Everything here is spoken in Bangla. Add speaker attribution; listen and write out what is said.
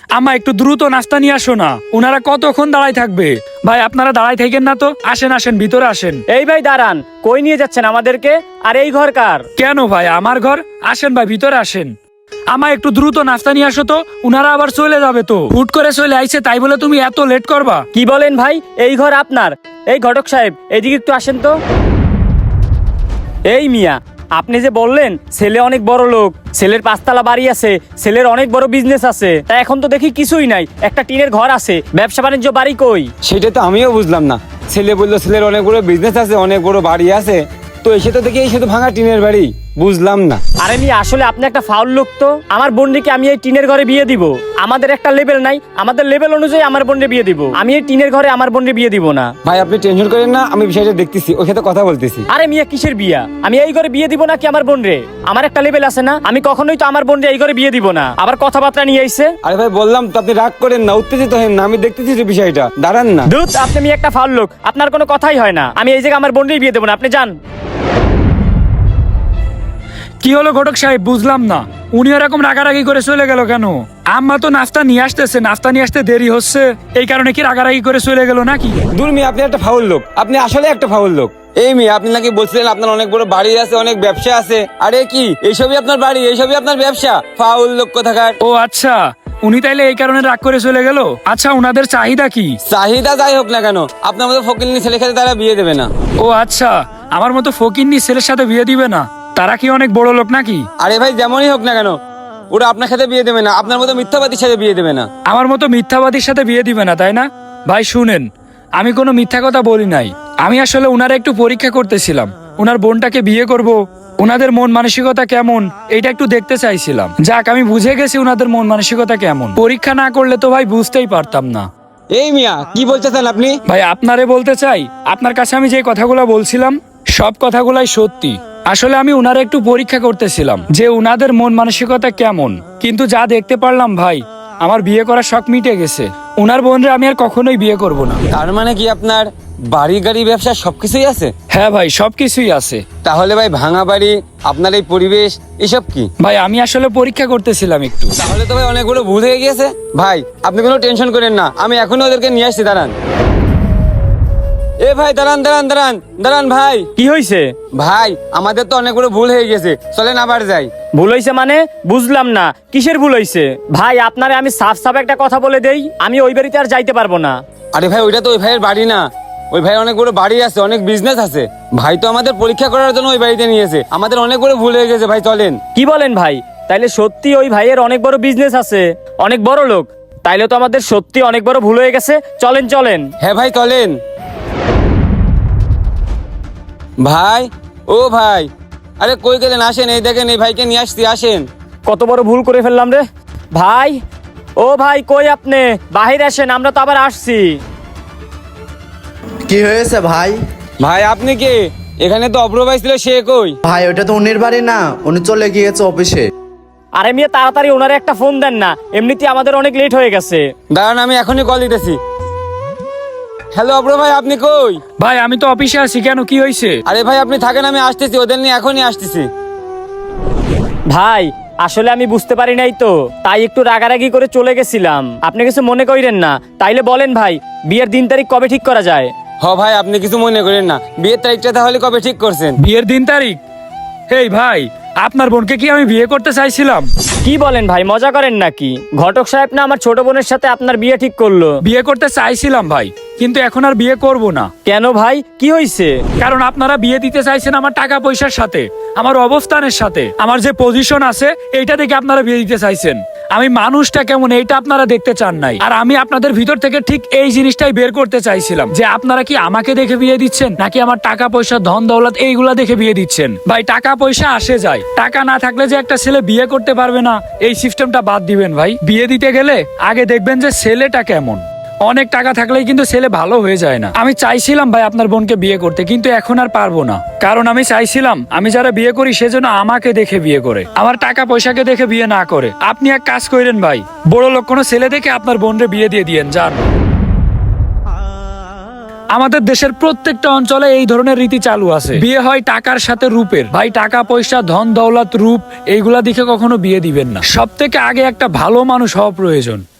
Speaker 1: আম্মা একটু দ্রুত নাস্তা নিয়ে আসো না, ওনারা কতক্ষণ দাঁড়ায় থাকবে। ভাই আপনারা দাঁড়ায় থাকেন না তো, আসেন আসেন ভিতরে আসেন।
Speaker 2: এই ভাই দাঁড়ান, কই নিয়ে যাচ্ছেন আমাদেরকে? আর এই ঘর কার?
Speaker 1: কেন ভাই আমার ঘর? আসেন ভাই ভিতরে আসেন। আমা একটু দ্রুত নাস্তা নিয়ে আসো তো, উনারা আবার চলে যাবে তো। হুট করে চলে আইছে তাই বলে তুমি এত লেট করবা?
Speaker 2: কি বলেন ভাই, এই ঘর আপনার? এই ঘটক সাহেব এদিকে একটু আসেন তো। এই মিয়া, আপনি যে বললেন ছেলে অনেক বড় লোক, ছেলের 5 তলা বাড়ি আছে, ছেলের অনেক বড় বিজনেস আছে, তা এখন তো দেখি কিছুই নাই, একটা টিনের ঘর আছে, ব্যবসা বাণিজ্য বাড়ি কই?
Speaker 3: সেটা তো আমিও বুঝলাম না। ছেলে বললো ছেলের অনেক বড় বিজনেস আছে, অনেক বড় বাড়ি আছে, তো এসে তো দেখি এই শুধু ভাঙা টিনের বাড়ি, বুঝলাম না।
Speaker 2: আরে মিয়া, আসলে আপনি একটা ফাউল লোক তো। আমার বোনকে আমি এই টিনের ঘরে বিয়ে দিব? আমাদের একটা লেভেল নাই, আমাদের লেভেল অনুযায়ী আমার বোনকে বিয়ে দিব। আমি এই টিনের ঘরে আমার বোনকে বিয়ে দিব না।
Speaker 3: ভাই আপনি টেনশন করেন না, আমি বিষয়টা দেখতেছি, ওর সাথে কথা বলতেছি।
Speaker 2: আরে মিয়া, কিসের বিয়া? আমি এই ঘরে বিয়ে দিব নাকি আমার বোন রে? আমার একটা লেভেল আছে না, আমি কখনোই তো আমার বোন রে এই ঘরে বিয়ে দিব না। আবার কথাবার্তা নিয়ে আইছে।
Speaker 3: আরে ভাই বললাম তো, আপনি রাগ করেন না, উত্তেজিত হেন না, আমি দেখতেছি যে বিষয়টা, দাঁড়ান না।
Speaker 2: দুধ, আপনি মিয়া একটা ফাউল লোক, আপনার কোনো কথাই হয় না। আমি এই জায়গায় আমার বোন রে বিয়ে দেবো না, আপনি যান।
Speaker 1: কি হলো ঘটক সাহেব, বুঝলাম না, উনি এরকম রাগারাগি করে চলে গেল কেন? আম্মা তো নাস্তা নিয়ে আসতেছে, নাস্তা নিয়ে আসতে দেরি হচ্ছে, এই কারণে কি রাগারাগি করে চলে গেল নাকি?
Speaker 3: দূর মিয়া, আপনি একটা ফাউল লোক, আপনি আসলে একটা ফাউল লোক। এই মিয়া, আপনি নাকি বলছিলেন আপনার অনেক বড় বাড়ি আছে, অনেক ব্যবসা আছে। আরে কি এইসবই আপনার বাড়ি, এইসবই আপনার ব্যবসা? ফাউল লোক কোথাকার।
Speaker 1: ও আচ্ছা, উনি তাইলে এই কারণে রাগ করে চলে গেল। আচ্ছা, উনাদের চাহিদা কি?
Speaker 3: চাহিদা যাই হোক না কেন, আপনার মতো ফকিন্নি ছেলে খেলে তারা বিয়ে দেবে না।
Speaker 1: ও আচ্ছা, আমার মতো ফকিন্নি ছেলের সাথে বিয়ে দিবে না? তারা কি অনেক বড় লোক নাকি?
Speaker 3: আরে ভাই যেমনই হোক না কেন, ওরা আপনার সাথে বিয়ে দেবে না, আপনার মতো মিথ্যাবাদীর সাথে বিয়ে দেবে না।
Speaker 1: আমার মতো মিথ্যাবাদীর সাথে বিয়ে দিবে না, তাই না? ভাই শুনেন, আমি কোনো মিথ্যা কথা বলি নাই। আমি আসলে উনারা একটু পরীক্ষা করতেছিলাম, উনার বোনটাকে বিয়ে করব, উনাদের মন মানসিকতা কেমন এটা একটু দেখতে চাইছিলাম। যাক, আমি বুঝে গেছি উনাদের মন মানসিকতা কেমন। পরীক্ষা না করলে তো ভাই বুঝতেই পারতাম না।
Speaker 3: এই মিয়া, কি বলতেছেন আপনি?
Speaker 1: ভাই আপনারে বলতে চাই, আপনার কাছে আমি যে কথাগুলো বলছিলাম সব কথাগুলাই সত্যি। আসলে আমি উনারা একটু পরীক্ষা করতেছিলাম যে উনাদের মন মানসিকতা কেমন, কিন্তু যা দেখতে পারলাম ভাই, আমার বিয়ে করার শখ মিটে গেছে। উনার বোনরে আমি আর কখনোই বিয়ে করব না।
Speaker 3: তার মানে কি আপনার বাড়ি গাড়ি ব্যবসা সবকিছুই আছে?
Speaker 1: হ্যাঁ ভাই, সবকিছুই আছে।
Speaker 3: তাহলে ভাই ভাঙা বাড়ি, আপনার এই পরিবেশ, এসব কি?
Speaker 1: ভাই আমি আসলে পরীক্ষা করতেছিলাম একটু।
Speaker 3: তাহলে তো ভাই অনেকগুলো ভুল হয়ে গিয়েছে। ভাই আপনি কোনো টেনশন করেন না, আমি এখনই ওদেরকে নিয়ে আসছি, দাঁড়ান। এ ভাই দাঁড়ান দাঁড়ান দাঁড়ান দাঁড়ান ভাই।
Speaker 2: কি হয়েছে?
Speaker 3: ভাই আমাদের তো অনেক বড় ভুল হয়ে গেছে, চলেন আবার যাই।
Speaker 2: ভুল হয়েছে মানে? বুঝলাম না, কিসের ভুল হয়েছে? ভাই আপনারে আমি সাফ সাফ একটা কথা বলে দেই, আমি ওই বাড়িতে আর যাইতে পারবো না।
Speaker 3: আরে ভাই ওইটা তো ওই ভাইয়ের বাড়ি না, ওই ভাই অনেক বড় বাড়ি আছে, অনেক বিজনেস আছে। ভাই তো আমাদের পরীক্ষা করার জন্য ওই বাড়িতে নিয়েছে, আমাদের অনেক বড় ভুল হয়ে গেছে ভাই, চলেন।
Speaker 2: কি বলেন ভাই? তাইলে সত্যি ওই ভাইয়ের অনেক বড় বিজনেস আছে, অনেক বড় লোক? তাইলে তো আমাদের সত্যি অনেক বড় ভুল হয়ে গেছে, চলেন চলেন।
Speaker 3: হ্যাঁ ভাই চলেন। ভাই, ও ভাই, আরে কই গেলেন? আসেন, এই দেখেন এই ভাইকে নিয়ে আসছি, আসেন।
Speaker 2: কত বড় ভুল করে ফেললাম রে ভাই। ও ভাই কই আপনি? বাহির আসেন, আমরা তো আবার আসছি।
Speaker 4: কি হয়েছে ভাই?
Speaker 3: ভাই আপনি কে? এখানে তো অপ্র ভাই ছিল, সে কই?
Speaker 4: ভাই ওটা তো উনির বাড়ি না, উনি চলে গিয়েছে অফিসে।
Speaker 2: আরে মিয়া, তাড়াতাড়ি ওনারে একটা ফোন দেন না, এমনিতেই আমাদের অনেক লেট হয়ে গেছে।
Speaker 3: দাঁড়ান, আমি এখনই কল দিতেছি। হ্যালো অপ্র ভাই, আপনি কই?
Speaker 1: ভাই আমি তো অফিসে আছি, কেন কি হয়েছে?
Speaker 3: আরে ভাই আপনি থাকেন, আমি আসতেছি, ওদের নিয়ে এখনই আসতেছি।
Speaker 2: ভাই আসলে আমি বুঝতে পারি নাই তো, তাই একটু রাগারাগি করে চলে গেছিলাম, আপনি কিছু মনে করেন না। তাইলে বলেন ভাই, বিয়ের দিন তারিখ কবে ঠিক করা যায়?
Speaker 3: হ ভাই, আপনি কিছু মনে করেন না, বিয়ের তারিখটা তাহলে কবে ঠিক করছেন?
Speaker 1: বিয়ের দিন তারিখ? এই ভাই, আপনার বোনকে কি আমি বিয়ে করতে চাইছিলাম?
Speaker 2: কি বলেন ভাই, মজা করেন নাকি? ঘটক সাহেব না আমার ছোট বোনের সাথে আপনার বিয়ে ঠিক করলো।
Speaker 1: বিয়ে করতে চাইছিলাম ভাই, কিন্তু এখন আর বিয়ে করব না।
Speaker 2: কেন ভাই, কি হয়েছে?
Speaker 1: কারণ আপনারা বিয়ে দিতে চাইছেন আমার টাকা পয়সার সাথে, আমার অবস্থানের সাথে, আমার যে পজিশন আছে এইটা দেখে আপনারা বিয়ে দিতে চাইছেন। আমি মানুষটা কেমন এইটা আপনারা দেখতে চান নাই। আর আমি আপনাদের ভিতর থেকে ঠিক এই জিনিসটাই বের করতে চাইছিলাম যে আপনারা কি আমাকে দেখে বিয়ে দিচ্ছেন নাকি আমার টাকা পয়সা ধন দৌলত এইগুলা দেখে বিয়ে দিচ্ছেন। ভাই টাকা পয়সা আসে যায়, টাকা না থাকলে যে একটা ছেলে বিয়ে করতে পারবে না এই সিস্টেমটা বাদ দিবেন ভাই। বিয়ে দিতে গেলে আগে দেখবেন যে ছেলেটা কেমন। অনেক টাকা থাকলেই কিন্তু ছেলে ভালো হয়ে যায় না। আমি চাইছিলাম ভাই আপনার বোনকে বিয়ে করতে, কিন্তু এখন আর পারবো না। কারণ আমি চাইছিলাম আমি যারা বিয়ে করি সেজন্য আমাকে দেখে বিয়ে করে, আমার টাকা পয়সাকে দেখে বিয়ে না করে। আপনি এক কাজ করেন ভাই, বড় লোক কোনো ছেলে দেখে আপনার বোনরে বিয়ে দিয়ে দিয়েন, যান। আমাদের দেশের প্রত্যেকটা অঞ্চলে এই ধরনের রীতি চালু আছে, বিয়ে হয় টাকার সাথে রূপের। ভাই টাকা পয়সা ধন দৌলত রূপ এইগুলা দেখে কখনো বিয়ে দিবেন না, সব থেকে আগে একটা ভালো মানুষ হওয়া প্রয়োজন।